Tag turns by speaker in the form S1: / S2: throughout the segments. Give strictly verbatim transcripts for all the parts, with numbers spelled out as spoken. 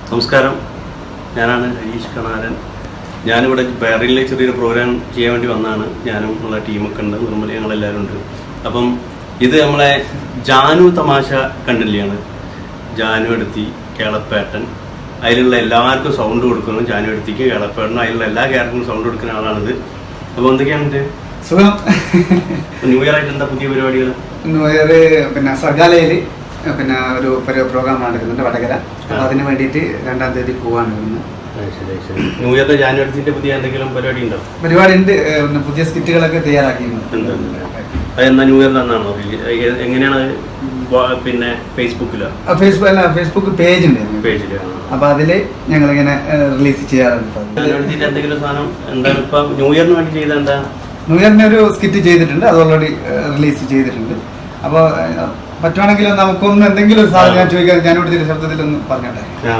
S1: നമസ്കാരം, ഞാനാണ് ഹരീഷ് കണാരൻ. ഞാനിവിടെ ബഹ്റൈനിലെ ചെറിയൊരു പ്രോഗ്രാം ചെയ്യാൻ വേണ്ടി വന്നതാണ്. ഞാനും ഉള്ള ടീമൊക്കെ ഉണ്ട്, നിർമ്മല ഞങ്ങളെല്ലാവരും ഉണ്ട്. അപ്പം ഇത് നമ്മളെ ജാനു തമാശ കണ്ടില്ലാണ്. ജാനു എടുത്തി കേളപ്പേട്ടൻ, അതിലുള്ള എല്ലാവർക്കും സൗണ്ട് കൊടുക്കുന്നു. ജാനു എടുത്തിക്ക് കേളപ്പേട്ടനും അതിലുള്ള എല്ലാ ക്യാരക്ടറിനും സൗണ്ട് കൊടുക്കുന്ന ആളാണിത്. അപ്പോൾ എന്തൊക്കെയാണ്
S2: സുഖം.
S1: ന്യൂ ഇയർ ആയിട്ട് എന്താ പുതിയ പരിപാടികൾ?
S2: ന്യൂ ഇയർ പിന്നെ സർഗാലയിൽ പിന്നെ ഒരു പ്രോഗ്രാം നടക്കുന്നുണ്ട് വടകര. അപ്പോൾ അതിന് വേണ്ടിയിട്ട് രണ്ടാം തീയതി പോവാണ് ഇന്ന്.
S1: ന്യൂ ഇയറിന്റെ ജാനുവരിന്റെ പുതിയ എന്തെങ്കിലും പരിപാടി ഉണ്ടോ?
S2: പരിപാടി ഉണ്ട്, പുതിയ സ്കിറ്റുകളൊക്കെ തയ്യാറാക്കിയിട്ടുണ്ട്.
S1: അതെന്നാ ന്യൂ ഇയറിൽ എന്നാണോ? എങ്ങനെയാണ്? പിന്നെ ഫേസ്ബുക്കിലോ?
S2: ഫേസ്ബുക്ക് അല്ല, ഫേസ്ബുക്ക് പേജ് ഉണ്ട്
S1: പേജില്.
S2: അപ്പൊ അതില് ഞങ്ങൾ ഇങ്ങനെ റിലീസ് ചെയ്യാറുണ്ട്.
S1: ജാനുവരിന്റെ എന്തെങ്കിലും സാധനം എന്താണ് ഇപ്പൊ ന്യൂ ഇയറിന് വേണ്ടി ചെയ്ത? എന്താ
S2: ന്യൂ ഇയറിന് ഒരു സ്കിറ്റ് ചെയ്തിട്ടുണ്ട്, അത് ഓൾറെഡി റിലീസ് ചെയ്തിട്ടുണ്ട്. അപ്പോൾ പറ്റുവാണെങ്കിൽ നമുക്കൊന്ന് എന്തെങ്കിലും ഒരു സാധനം ഞാൻ ചോദിക്കാൻ ജാനുവരി ശബ്ദത്തിലൊന്ന് പറഞ്ഞോട്ടെ.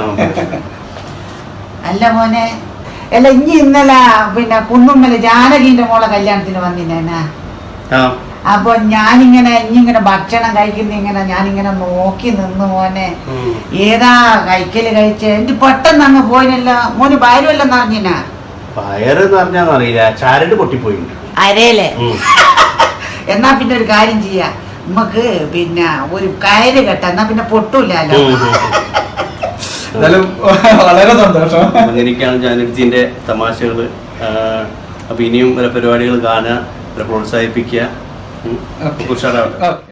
S3: അല്ല മോനെ, അല്ല ഇനി ഇന്നലെ പിന്നെ കുന്നുമ്മല് ജാനകിന്റെ മോളെ കല്യാണത്തിന് വന്നില്ലേനാ. അപ്പൊ ഞാനിങ്ങനെ ഇനിങ്ങനെ ഭക്ഷണം കഴിക്കുന്ന ഇങ്ങനെ ഞാനിങ്ങനെ നോക്കി നിന്ന് മോനെ, ഏതാ കഴിക്കല് കഴിച്ച് എനിക്ക് പെട്ടെന്ന് അങ്ങ് പോയില്ല മോന്. വയറുവെല്ലാം നിറഞ്ഞിനാ?
S1: വയറ് നിറഞ്ഞാന്നറിയില്ല, ചാരട് പൊട്ടിപ്പോയി
S3: അരേലേ. എന്നാ പിന്നെ ഒരു കാര്യം ചെയ്യാ, നമുക്ക് പിന്നെ ഒരു കയറ് കെട്ട, എന്നാ പിന്നെ പൊട്ടൂലല്ലോ.
S2: വളരെ സന്തോഷം.
S1: അങ്ങനെയൊക്കെയാണ് ജാനുവരിന്റെ തമാശകള്. അപ്പൊ ഇനിയും പല പരിപാടികൾ കാണുക, പ്രോത്സാഹിപ്പിക്കുക. ഉഷാറാവട്ടെ.